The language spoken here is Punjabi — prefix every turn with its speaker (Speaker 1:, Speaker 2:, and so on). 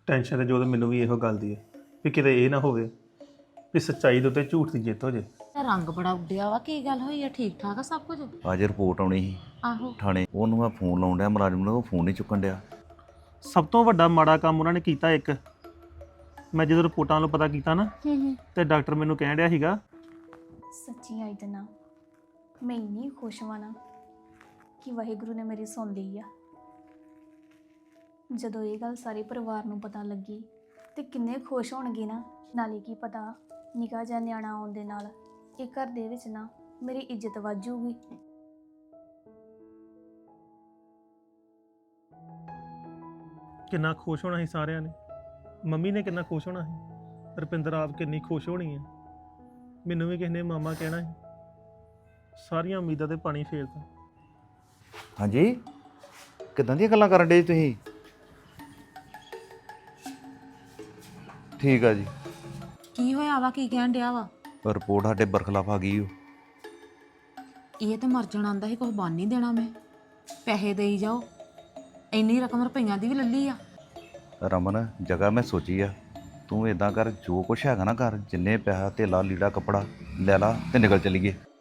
Speaker 1: ਟੈਨਸ਼ਨ ਤੇ ਜੋ ਮੈਨੂੰ ਵੀ ਇਹੋ ਗੱਲ ਦੀ ਹੈ ਵੀ ਕਿਤੇ ਇਹ ਨਾ ਹੋਵੇ ਵੀ ਸੱਚਾਈ ਦੇ ਉੱਤੇ ਝੂਠ ਦੀ ਜਿੱਤ ਹੋ ਜੇ।
Speaker 2: ਰੰਗ ਬੜਾ ਉੱਡਿਆ ਵਾ, ਕੀ ਗੱਲ ਹੋਈ ਆ? ਠੀਕ ਠਾਕ ਆ ਸਭ ਕੁਝ?
Speaker 3: ਅੱਜ ਰਿਪੋਰਟ ਆਉਣੀ ਸੀ
Speaker 2: ਆਹੋ।
Speaker 3: ਥਾਣੇ, ਉਹਨੂੰ ਮੈਂ ਫੋਨ ਲਾਉਣ ਡਿਆ ਮੁਲਾਜ਼ਮ ਨੂੰ, ਉਹ ਫੋਨ ਨਹੀਂ ਚੁੱਕਣ ਡਿਆ।
Speaker 1: ਸਭ ਤੋਂ ਵੱਡਾ ਮਾੜਾ ਕੰਮ ਉਹਨਾਂ ਨੇ ਕੀਤਾ ਇੱਕ, ਮੈਂ ਜਦੋਂ ਰਿਪੋਰਟਾਂ ਨੂੰ ਪਤਾ ਕੀਤਾ ਨਾ ਤੇ ਡਾਕਟਰ ਮੈਨੂੰ ਕਹਿਣ ਡਿਆ ਸੀਗਾ
Speaker 4: ਸੱਚੀ ਆਈ ਤੇ ਨਾ ਮੈਂ ਇੰਨੀ ਖੁਸ਼ ਹਾਂ ਨਾ ਕਿ ਵਾਹਿਗੁਰੂ ਨੇ ਮੇਰੀ ਸੁਣ ਲਈ ਆ। ਜਦੋਂ ਇਹ ਗੱਲ ਸਾਰੇ ਪਰਿਵਾਰ ਨੂੰ ਪਤਾ ਲੱਗੀ ਤੇ ਕਿੰਨੇ ਖੁਸ਼ ਹੋਣਗੇ ਨਾ। ਨਾਲੇ ਕੀ ਪਤਾ ਨਿੱਕਾ ਜਿਹਾ ਨਿਆਣਾ ਆਉਣ ਦੇ ਨਾਲ ਇਹ ਘਰ ਦੇ ਵਿੱਚ ਨਾ ਮੇਰੀ ਇੱਜ਼ਤ ਵਾਜੂਗੀ।
Speaker 1: ਕਿੰਨਾ ਖੁਸ਼ ਹੋਣਾ ਸੀ ਸਾਰਿਆਂ ਨੇ, ਮੰਮੀ ਨੇ ਕਿੰਨਾ ਖੁਸ਼ ਹੋਣਾ ਸੀ, ਰੁਪਿੰਦਰ ਆਪ ਕਿੰਨੀ ਖੁਸ਼ ਹੋਣੀ ਹੈ, ਮੈਨੂੰ ਵੀ ਕਿਸੇ ਨੇ ਮਾਮਾ ਕਹਿਣਾ ਸੀ। ਸਾਰੀਆਂ ਉਮੀਦਾਂ ਤੇ ਪਾਣੀ ਫੇਰਦਾ।
Speaker 3: ਹਾਂਜੀ, ਕਿੱਦਾਂ ਦੀਆਂ ਗੱਲਾਂ ਕਰਨ ਡੇ ਤੁਸੀਂ? ਠੀਕ ਆ ਜੀ।
Speaker 2: ਕੀ ਹੋਇਆ ਵਾ? ਕੀ ਕਹਿਣ ਡਿਆ ਵਾ?
Speaker 3: ਰਿਪੋਰਟ ਸਾਡੇ ਬਰਖਲਾਫ ਆ ਗਈ ਓ।
Speaker 2: ਇਹ ਤੇ ਮਰ ਜਾਣਾ ਆਂਦਾ ਸੀ, ਕੁਝ ਬਣ ਨਹੀਂ ਦੇਣਾ ਮੈਂ। ਪੈਸੇ ਦੇਈ ਜਾਓ, ਇੰਨੀ ਰਕਮ ਰੁਪਈਆਂ ਦੀ ਵੀ ਲੱਲੀ ਆ।
Speaker 3: ਰਮਨ, ਜਗ੍ਹਾ ਮੈਂ ਸੋਚੀ ਆ, ਤੂੰ ਇਦਾਂ ਕਰ, ਜੋ ਕੁਛ ਹੈਗਾ ਨਾ ਘਰ, ਜਿੰਨੇ ਪੈਸਾ ਧੇਲਾ ਲੀੜਾ ਕੱਪੜਾ ਲੈ ਲਾ ਤੇ ਨਿਕਲ ਚਲੀਏ।